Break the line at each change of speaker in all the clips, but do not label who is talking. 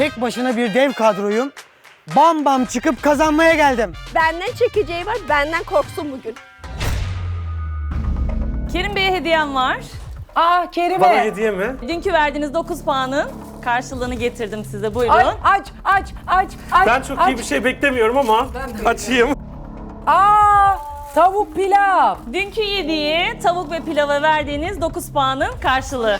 tek başına bir dev kadroyum. Bam bam çıkıp kazanmaya geldim.
Benden çekeceği var, benden korksun bugün.
Kerim Bey'e hediyem var.
Kerime.
Bana hediye mi?
Dünkü verdiğiniz 9 puanın karşılığını getirdim size. Buyurun.
Aç.
Ben çok iyi bir şey beklemiyorum ama açayım.
Tavuk pilav.
Dünkü yediği tavuk ve pilava verdiğiniz 9 puanın karşılığı.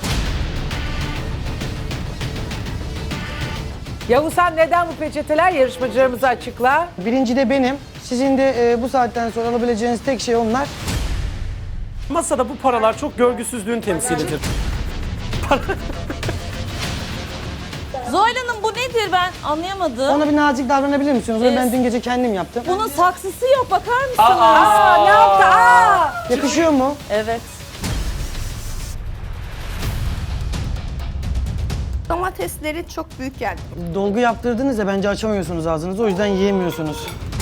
Yavuz, sen neden bu peçeteler, yarışmacılarımıza açıkla.
Birinci de benim. Sizin de bu saatten sonra alabileceğiniz tek şey onlar.
Masada bu paralar çok görgüsüzlüğün temsilidir.
Zuhal Hanım bu nedir ben anlayamadım.
Ona bir nazik davranabilir misiniz? Onu ben
Evet.
dün gece kendim yaptım.
Bunun saksısı yok bakar mısınız?
Ne yaptı?
Yakışıyor mu?
Evet.
Domatesleri çok büyük geldi.
Dolgu yaptırdınız ya bence açamıyorsunuz ağzınızı. O yüzden yiyemiyorsunuz.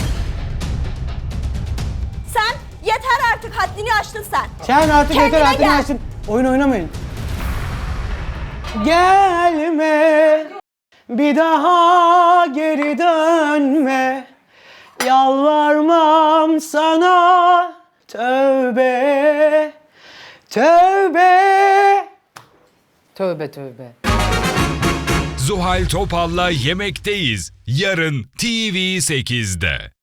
Sen yeter artık, haddini aştın sen.
Sen artık
Kendine
yeter haddini
gel.
aştın. Oyun oynamayın. Gelme, bir daha geri dönme. Yalvarmam sana, tövbe, tövbe.
Tövbe.
Zuhal Topal'la Yemekteyiz. Yarın TV8'de.